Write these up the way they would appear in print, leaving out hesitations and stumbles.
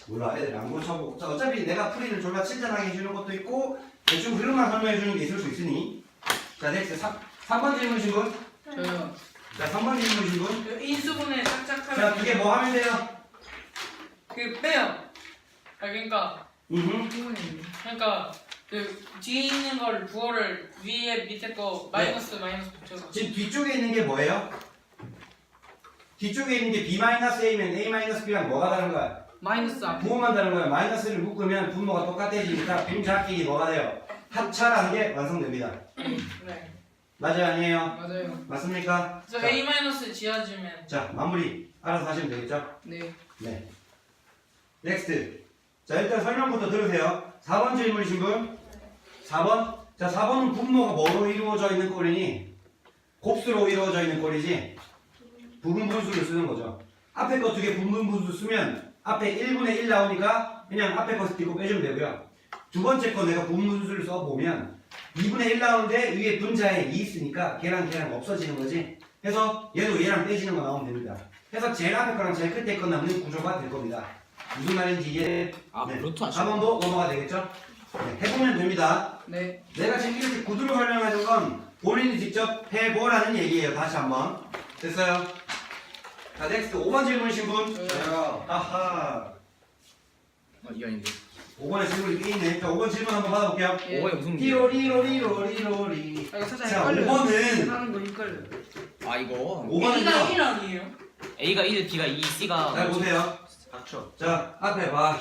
몰라, 애들 안 고쳐보고. 자, 어차피 내가 풀이를 졸라 친절하게 해주는 것도 있고 대충 흐름만 설명해주는 게 있을 수 있으니. 자, 넥스트 3번 질문이신 분? 저요. 자, 3번 질문이신 분? 그 인수분해 살짝 자, 하면 그게 뭐 하면 돼요? 그 빼요. 그러니까 그 뒤에 있는 걸 부호를 위에 밑에 거 마이너스 붙여서. 지금 뒤쪽에 있는 게 뭐예요? 뒤쪽에 있는 게 B-A면 A-B랑 뭐가 다른 거야? 마이너스 앞. 부호만 다른 거야. 마이너스를 묶으면 분모가 똑같아지니까 분자끼리 뭐가 돼요? 합차라는 게 완성됩니다. 네. 맞아요, 아니에요? 맞아요. 맞습니까? 그래서 A 마이너스 지어주면. 자, 마무리 알아서 하시면 되겠죠? 네. 네. 넥스트. 자, 일단 설명부터 들으세요. 4번 질문이신 분? 4번? 자, 4번은 분모가 뭐로 이루어져 있는 꼴이니? 곱수로 이루어져 있는 꼴이지? 부분 분수를 쓰는 거죠. 앞에 거 두 개 부분 분수 쓰면 앞에 1분의 1 나오니까 그냥 앞에 거 딛고 빼주면 되고요. 두 번째 거 내가 부분 분수를 써보면 2분의 1 나오는데 위에 분자에 2 있으니까 걔랑 없어지는 거지. 해서 얘도 얘랑 빼지는 거 나오면 됩니다. 해서 제일 앞에 거랑 제일 끝에 거 남는 구조가 될 겁니다. 무슨 말인지 이해? 루트 하시네. 4번도 넘어가 되겠죠? 네, 해보면 됩니다. 네. 내가 지금 이렇게 구두로 설명하는 건 본인이 직접 해보라는 얘기예요. 다시 한번. 됐어요? 자, 넥스트 5번 질문이신 분? 저요. 아하. 이게 아닌데. 5번에 질문이 꽤 있네. 자, 5번 질문 한번 받아볼게요. 예. 5번이 무슨 문제? 띠로리로리로리로리. 아, 이거 살짝 자, 헷갈려요. 5번은 하는 거 헷갈려. 아 이거 5번은요. 1 아니에요? A가 1, B가 2, C가 잘 보세요. 닥쳐. 자, 앞에 봐.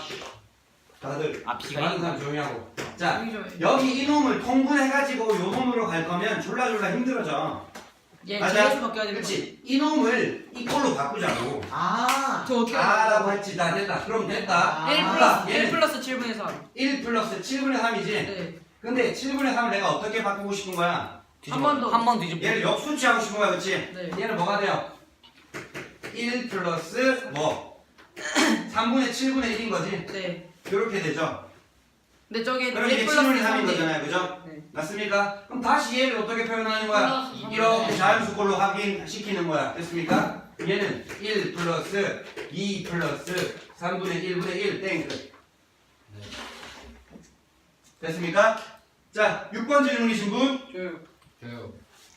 다들 아 B가 많은 1. 사람 조용히 하고. 자, 여기 좀. 여기 이놈을 통분해가지고 요 놈으로 갈 거면 졸라 힘들어져. 얘 맞아? 뒤에서 바뀌어야 되는 거. 그렇지. 이놈을 이꼴로 바꾸자고. 아. 저 어떻게 아라고 했지. 다 됐다. 그럼 됐다. 아. 1 아, 플러스 얘는 1 플러스 7분의 3. 1 플러스 7분의 3이지. 네. 근데 7분의 3을 내가 어떻게 바꾸고 싶은 거야? 한번 더. 한번 뒤집어. 얘를 역수치하고 싶은 거야, 그렇지? 네. 얘는 뭐가 돼요? 1 플러스 뭐? 3분의 7분의 1인 거지? 네. 이렇게 되죠? 근데 저게 그럼 1 이게 플러스 7분의 3인 3이 거잖아요, 그죠? 네. 맞습니까? 그럼 다시 얘를 어떻게 표현하는 거야? 플러스 이렇게 자연수꼴로 확인시키는 거야. 됐습니까? 얘는 1 플러스 2 플러스 3분의 1분의 1 땡. 끝. 됐습니까? 자, 6번 질문이신 분? 저요. 저요.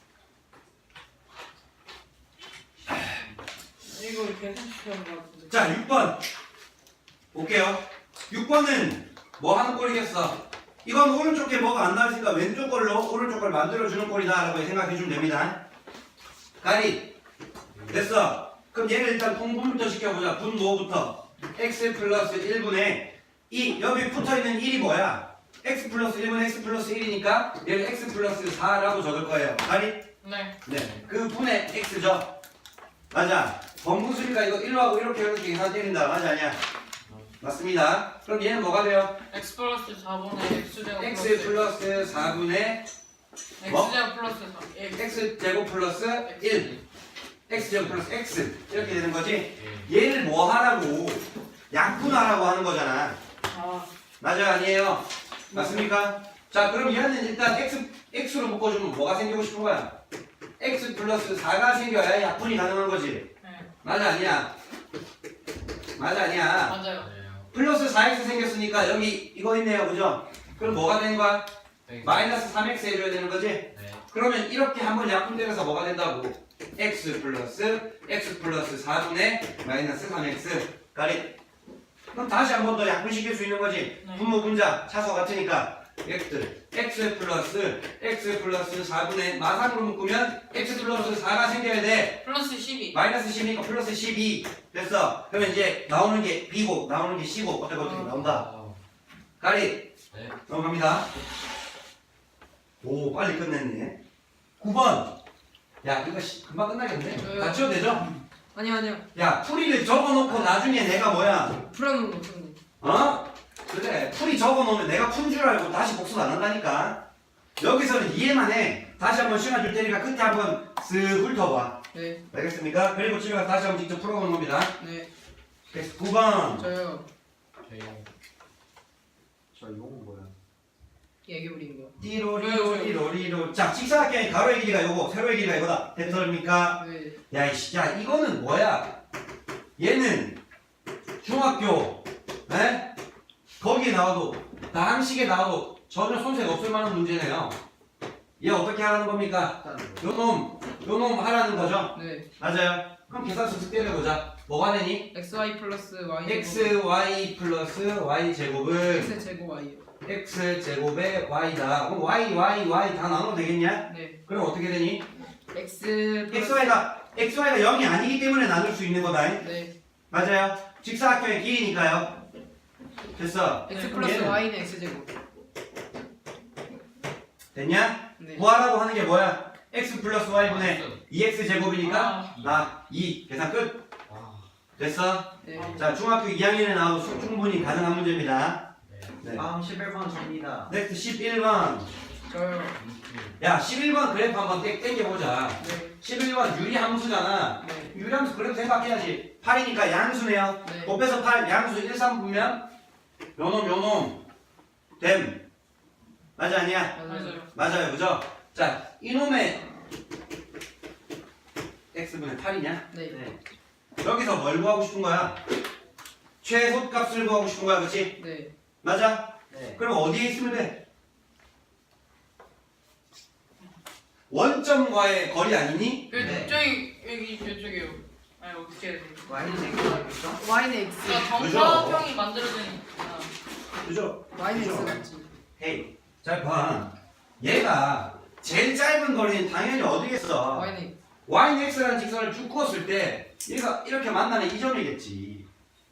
이거 이렇게 해주시는 거 같은데. 자, 6번. 볼게요. 6번은 뭐 하는 꼴이겠어? 이건 오른쪽에 뭐가 안 나왔으니까 왼쪽 걸로 오른쪽 걸 만들어주는 꼴이다 라고 생각해주면 됩니다. 가리. 됐어. 그럼 얘를 일단 통분부터 시켜보자. 분모부터. x 플러스 1분의 2. 여기 붙어있는 1이 뭐야? x 플러스 1분의 x 플러스 1이니까 얘를 x 플러스 4라고 적을 거예요. 가리? 네. 네. 그 분의 x죠. 맞아. 번분수니까 이거 1로 하고 이렇게 계산 때린다. 맞아, 아니야? 맞습니다. 그럼 얘는 뭐가 돼요? x 플러스 4분의 x제곱 x 플러스 4분의 뭐? x제곱 플러스 3. 예. x 제곱 플러스 1 x 제곱 플러스 x 이렇게 되는 거지. 얘를 뭐 하라고? 약분하라고 하는 거잖아. 아. 맞아요, 아니에요? 맞습니까? 자, 그럼 얘는 일단 x로 묶어주면 뭐가 생기고 싶은 거야? x 플러스 4가 생겨야 약분이 가능한 거지. 네. 맞아, 아니야? 맞아, 아니야? 맞아요. 플러스 4x 생겼으니까 여기 이거 있네요, 그죠? 그럼 뭐가 되는 거야? 마이너스 3x 해줘야 되는 거지? 그러면 이렇게 한번 약분되면서 뭐가 된다고? x 플러스 4분의 마이너스 3x 가리. 그럼 다시 한 번 더 약분시킬 수 있는 거지? 네. 분모 분자 차수 같으니까 x 플러스 4분의 마상으로 묶으면 x 플러스 4가 생겨야 돼. 플러스 12. 마이너스 10이니까 플러스 12 됐어. 그러면 이제 나오는 게 b고 나오는 게 c고 어떻게 나온다. 가리. 네. 넘어갑니다. 오, 빨리 끝냈네. 9번. 야, 이거 금방 끝나겠네. 다 치워도 되죠? 아니요. 야, 풀이를 적어놓고 나중에 내가 뭐야? 풀어놓은 거 없었네. 어? 그래, 풀이 적어놓으면 내가 푼 줄 알고 다시 복습 안 한다니까. 여기서는 이해만 해. 다시 한번 시간 줄 테니까 끝에 한번 쓱 훑어봐. 네. 알겠습니까? 그리고 집에 가서 다시 한번 직접 풀어보는 겁니다. 네. 그래서 9번. 저요. 저 이건 뭐야? 얘기 부린 거. 띠로리로리로리로. 자, 직사각형의 가로의 길이가 요거, 세로의 길이가 이거다. 됐습니까? 네. 야, 이씨, 야, 이거는 뭐야? 얘는 중학교, 에? 거기에 나와도 나항식에 나와도 전혀 손색 없을 만한 문제네요. 얘 어떻게 하라는 겁니까? 요 놈 하라는 거죠? 네. 맞아요. 그럼 계산서 특별해보자. 뭐가 되니? xy 플러스 y xy 플러스 y 제곱은 x 제곱 y요. x 제곱의 y다. 그럼 y 다 나눠도 되겠냐? 네. 그럼 어떻게 되니? x 플러스 xy가 0이 아니기 때문에 나눌 수 있는 거다. 네. 맞아요. 직사각형의 길이니까요. 됐어. x 플러스 얘는 y는 x 제곱. 됐냐? 네. 구하라고 하는 게 뭐야? x 플러스 y분의 2x 제곱이니까 2. 계산 끝. 됐어? 네. 자, 중학교 2학년에 나와도 충분히 가능한 문제입니다. 네. 다음 11번 접니다. 넥스트 11번. 저요. 야, 11번 그래프 한번 땡겨보자. 네. 11번 유리함수잖아. 네. 유리함수 그래프 생각해야지. 8이니까 양수네요. 네. 곱해서 8, 양수 1, 3 보면 요놈 됨. 맞아 아니야? 맞아요. 맞아요. 그죠? 자, 이놈의 x분의 8이냐? 네. 여기서 뭘 구하고 싶은 거야? 최소값을 구하고 싶은 거야. 그치? 네. 맞아? 네. 그럼 어디에 있으면 돼? 원점과의 거리 아니니? 네. 저기 여기 이쪽이요. 아니 어떻게 해야 돼? y는 제곱이겠죠? y는 x. 그러니까 그죠? 정사형이 만들어진. 그죠? y는 그죠? x 맞지. 헤이, 잘 봐. 얘가 제일 짧은 거리는 당연히 어디겠어? y는 x. y는 x라는 직선을 쭉 그었을 때 얘가 이렇게 만나는 이 점이겠지.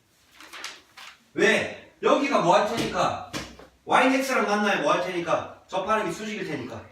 왜? 여기가 뭐 할 테니까 y는 x랑 만나야 뭐 할 테니까 접하는 게 수직일 테니까.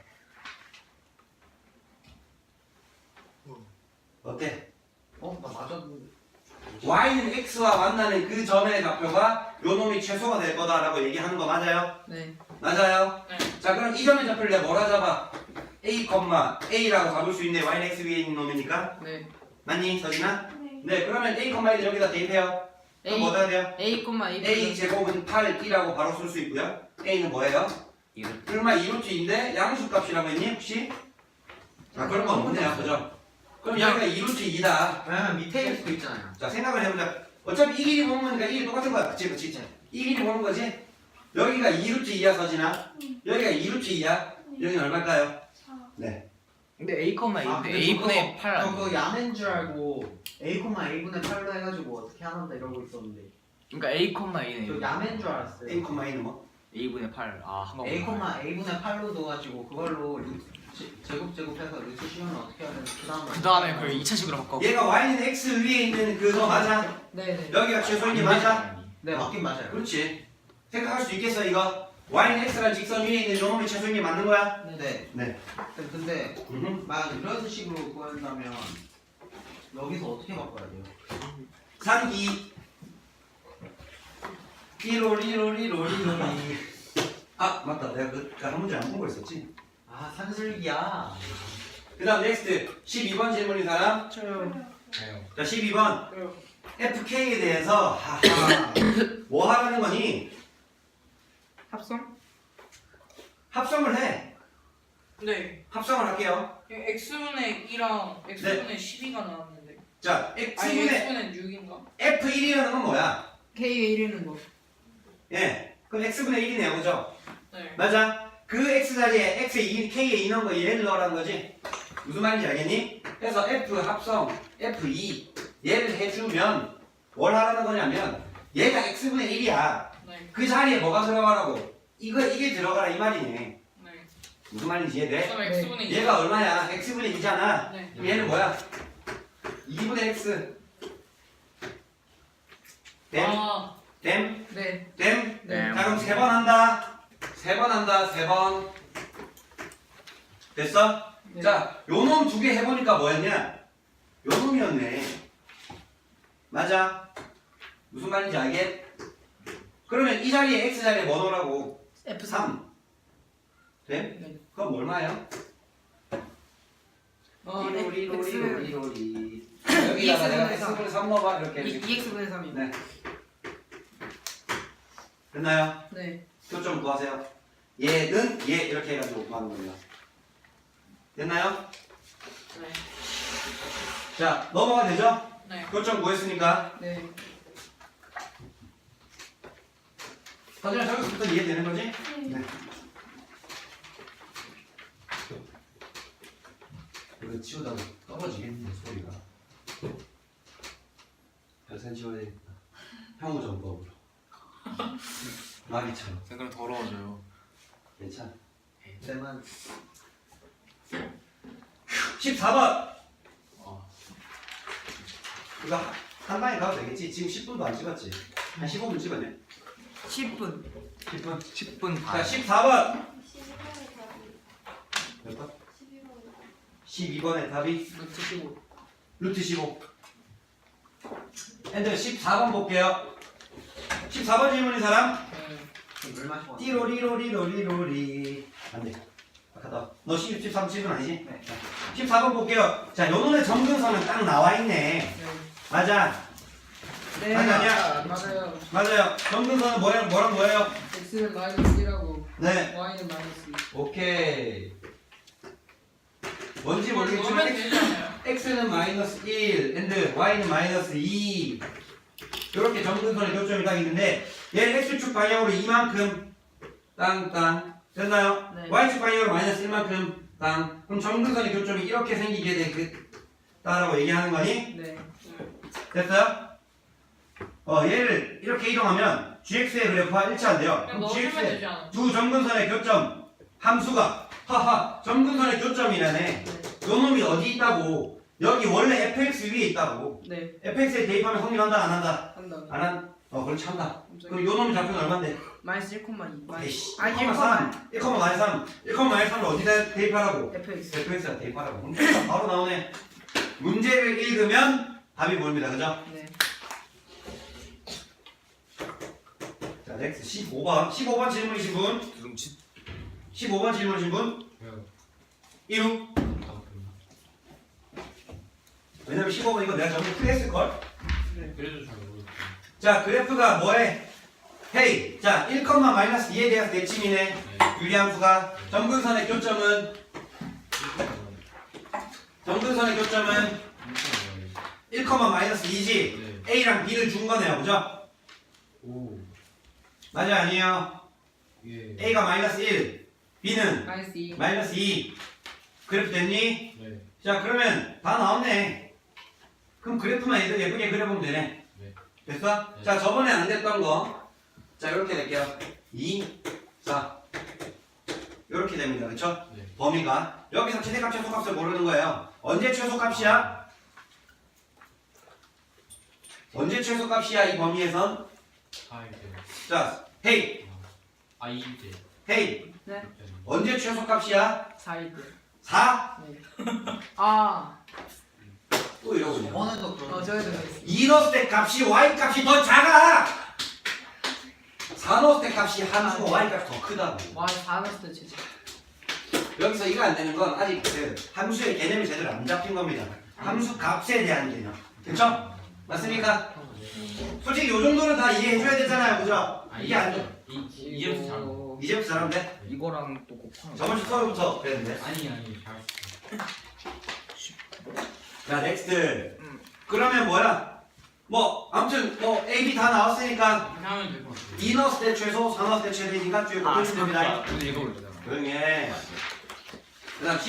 어때? 나 맞았는데. y는 x와 만나는 그 점의 좌표가 요 놈이 최소가 될 거다라고 얘기하는 거 맞아요? 네. 맞아요? 네. 자, 그럼 이 점의 좌표를 내가 뭐라 잡아? a, a라고 잡을 수 있네. y는 x 위에 있는 놈이니까. 네. 맞니, 서진아? 네, 그러면 a, a를 여기다 대입해요. 그럼 뭐 해야 돼요? a, a 제곱은 8이라고 바로 쓸 수 있고요. a는 뭐예요? 얼마 2루트인데 양수값이라고 했니 혹시? 자, 그런 건 없네요. 그죠? 그럼 여기가 2루트2다. 왜냐면 밑에 있을 수도 있잖아요. 자, 생각을 해보자. 어차피 이 길이 보는 거니까 이 길이 똑같은 거야. 그치, 그치. 이 길이 보는 거지? 여기가 2루트2야, 서진아. 여기가 2루트2야. 여기는 얼마일까요? 네. 근데 a, 근데 a분의 저거- 8 그거 야맨 줄 알고 a분의 8로 해가지고 어떻게 하는다 이러고 있었는데 그러니까 a, a네. 저 야맨 줄 알았어요. a, a는 뭐? a분의 8. 한번 a분의 8로 넣어가지고 그걸로 제곱해서 루트 씌우면 어떻게 해야 되는지 그 다음에 그걸 2차식으로 바꿔. 얘가 y는 x 위에 있는 그거 맞아? 네네. 여기가 최소인 게 맞아? 네 맞긴 맞아요. 그렇지. 생각할 수 있겠어, 이거? y는 x라는 직선 위에 있는 요 놈이 최소인 게 맞는 거야? 네. 네. 근데 음흠. 만약 이런 식으로 구한다면 여기서 어떻게 바꿔야 돼요? 상기 리로리로리로리로리. 아, 맞다. 내가 한 문제 안 본 거 있었지? 아 산술기야. 그 다음 넥스트 12번 질문인 사람. 저요. 자, 12번 저요. FK에 대해서 하하 뭐 하라는 거니? 합성? 합성을 해. 네. 합성을 할게요. x분의 2랑 x분의 12가 나왔는데. 자, 아니 X분의 x분의 6인가? F1이라는 건 뭐야? k의 1위는 뭐? 예, 그럼 X분의 1이네요, 그죠? 네. 맞아. 그 X 자리에 K에 2 넣은 거 얘를 넣으라는 거지. 무슨 말인지 알겠니? 그래서 F 합성 F2 얘를 해주면 뭘 하라는 거냐면 얘가 X분의 1이야. 네. 그 자리에 뭐가 들어가라고? 이게 들어가라 이 말이네. 네. 무슨 말인지 이해돼? 그럼 x분의 2. 얘가 얼마야? X분의 2잖아. 네. 얘는 뭐야? 2분의 X. 됨? 아, 됨? 네. 됨? 네. 자, 그럼 3번 한다. 3번 한다. 3번. 됐어? 네. 자, 요 놈 두 개 해보니까 뭐였냐? 요 놈이었네. 맞아. 무슨 말인지 알겠? 그러면 이 자리에 X 자리에 뭐 넣으라고? f3. 3. 돼? 네. 그럼 얼마예요? 리로리로리로리. 여기다가 내가 X분의 3 넣어봐. 이렇게. 2x분의 3이요. 네. 됐나요? 네. 표점 구하세요. 얘는 얘 이렇게 해가지고 구하는 거예요. 됐나요? 네. 자, 넘어가 되죠? 네. 표점 구했으니까. 네. 자, 서진아 저기서부터 이해되는 거지? 네. 이거 치우다가 떨어지겠는데 소리가. 별산 치워야 되겠다. 형우정법으로. 마비처럼. 그럼 더러워져요. 괜찮아. 쌤은 14번. 아. 이거 한 방에 가도 되겠지? 지금 10분도 안 찍었지? 한 15분 찍었네? 10분. 10분? 10분 자, 반. 14번. 12번의 답이 몇 번? 12번의 12번의 답이 답이 루트 15. 루트 15. 애들 14번 볼게요. 14번 질문인 사람? 물 마시고 왔어요. 띠로리로리로리로리. 안 돼. 아까 너 13, 7분 아니지? 네. 14번 볼게요. 자, 요 놈의 점근선은 딱 나와 있네. 네. 맞아. 네. 아니, 아니야. 맞아요. 맞아요. 점근선은 뭐랑 뭐예요? x는 마이너스 1하고 네. y는 마이너스 2. 오케이. 뭔지 모르겠지만 넣으면 되잖아요. x는 마이너스 1, and y는 마이너스 2. 이렇게 점근선의 교점이 딱 있는데 얘 x축 방향으로 이만큼 땅땅 됐나요? 네. y축 방향으로 마이너스 1만큼 땅. 그럼 점근선의 교점이 이렇게 생기게 되겠다라고 얘기하는 거니? 네. 됐어요? 얘를 이렇게 이동하면 gx의 그래프와 일치한대요. 그냥 그럼 넣어주면 gx의 되지 않아? 두 점근선의 교점 함수가 하하 점근선의 교점이라네. 요 놈이 어디 있다고? 여기 원래 fx 위에 있다고. 네. fx에 대입하면 성립한다 안 한다? 한다. 안 한? 그렇지 한다. 깜짝이야. 그럼 요 놈이 잡히면 얼만데? 마이너스 1,2. 에이씨. 아, 1,3. 1,3. 1,3을 어디다 대입하라고? fx. fx에 대입하라고. 그럼 바로 나오네. 문제를 읽으면 답이 보입니다. 그죠? 네. 자, 넥스 15번. 15번 질문이신 분? 두둥치. 15번 질문이신 분? 이루. 왜냐면 15번 이거 내가 전부 풀했을걸? 그래도 잘 모르겠어요. 자, 그래프가 뭐해? 헤이. 자, 1, 마이너스 2에 대해서 대칭이네. 유리함수가. 점근선의 교점은? 점근선의 교점은 1, 마이너스 2지? 네. A랑 B를 준 거네요. 그죠? 오. 맞아요? 아니에요? 예. A가 마이너스 1, B는 마이너스 2. 마이너스 2. 그래프 됐니? 네. 자, 그러면 다 나왔네. 그럼 그래프만 예쁘게 그려보면 되네. 네. 됐어? 네. 자, 저번에 안 됐던 거. 자, 이렇게 낼게요. 2, 4. 이렇게 됩니다. 그쵸? 네. 범위가. 여기서 최대값, 최소값을 모르는 거예요. 언제 최소값이야? 언제 최소값이야, 이 범위에선? 아, 이제. 자, 헤이, 아, 이제. 헤이. 네. 언제 최소값이야? 4일 때. 4? 네. 아. 또 이러고 있네. 저번에도 그런 저희도 그랬어요. 2 넣었을 때 값이 y 값이 더 작아! 4 넣었을 때 값이 함수가 y 값이 더 크다고. 와, 4 넣었을 때 진짜. 여기서 이거 안 되는 건 아직 그 함수의 개념이 제대로 안 잡힌 겁니다. 함수 값에 대한 개념. 그쵸? 맞습니까? 솔직히 요 정도는 다 이해해줘야 되잖아요. 그죠? 이게 안 돼. 이제부터 잘. 모르- 이제부터 잘하는데? 이거랑 또 곱하는 거. 저번 주 수업부터 그랬는데. 아니, 잘. 자, 넥스트. 그러면 뭐야? 뭐, 아무튼, 뭐, A, B 다 나왔으니까, 이렇게 하면 될 것 같아요. 2 넣었을 때 최소, 4 넣었을 때 최대니까 뒤에 곱해주면 됩니다. 오늘 읽어볼래요. 조용히 해. 그 다음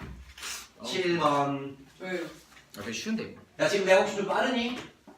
17번. 왜요? 아, 되게 쉬운데 이거. 야, 지금 내가 혹시 좀 빠르니?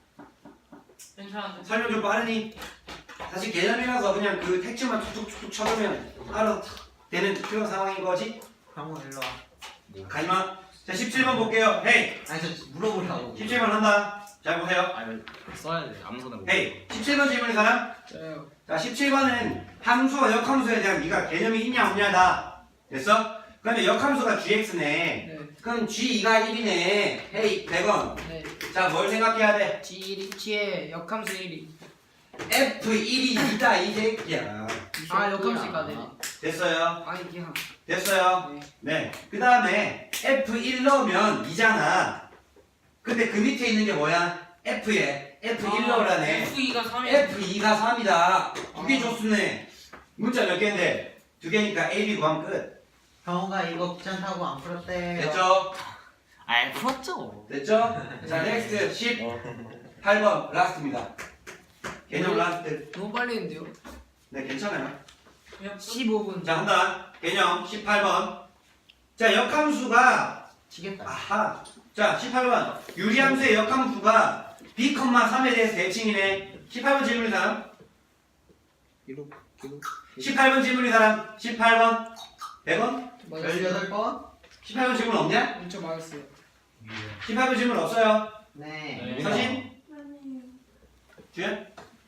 괜찮은데? 설명 좀 빠르니? 사실 개념이라서 그냥 그 택지만 툭툭툭툭 쳐두면 알아서 탁 되는 그런 상황인 거지? 형우 일로 와. 가지마. 자, 17번 볼게요. 헤이! 아니 저 물어보려고. 17번 한다. 잘 보세요. 아니 써야 돼. 아무거나 뭐. 헤이! 17번 질문인 사람? 저요. 자, 17번은 함수와 역함수에 대한 네가 개념이 있냐 없냐다. 됐어? 그러면 역함수가 gx네. 네. 그럼 g2가 1이네. 헤이, 100원. 네. 자, 뭘 생각해야 돼? G의 역함수 1이. f1이 2다, 이 새끼야. 아, 역함수가 네. 됐어요? 아니, 그냥. 됐어요? 네. 네. 그 다음에 F1 넣으면 2잖아. 근데 그 밑에 있는 게 뭐야? F에 F1 넣으라네. F2가 3이야. F2가 3이다. 두 개 줬으네. 문자 몇 개인데? 두 개니까 A, B 구하면 끝. 형우가 이거 귀찮다고 안 풀었대. 됐죠? 아, 풀었죠. 됐죠? 자, 넥스트 18번 라스트입니다. 개념 라스트. 너무 빨리 했는데요? 네, 괜찮아요. 15분. 자, 한다. 개념 18번. 자, 역함수가 지겠다. 아하. 자, 18번. 유리함수의 역함수가 b, 3에 대해서 대칭이네. 18번 질문인 사람? 기록 18번 질문인 사람? 18번? 100원? 18번? 18번 질문 없냐? 엄청 맞았어요. 18번 질문 없어요. 네. 서진? 아니에요. 주연?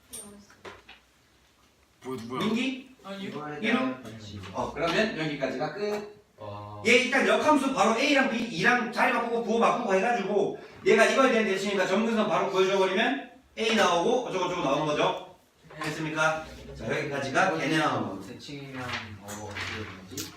뭐야 민기? 아니요. 이거에 이름? 대한 지금. 그러면 여기까지가 끝. 와. 얘 일단 역함수 바로 A랑 B, 2랑 자리 바꾸고 부호 바꾸고 해가지고 얘가 이거에 대한 대칭이니까 점근선 바로 구해줘버리면 A 나오고 어쩌고저쩌고 나오는 거죠. 됐습니까? 자, 여기까지가 걔네 나오는 거. 대칭이면 어떻게 되지?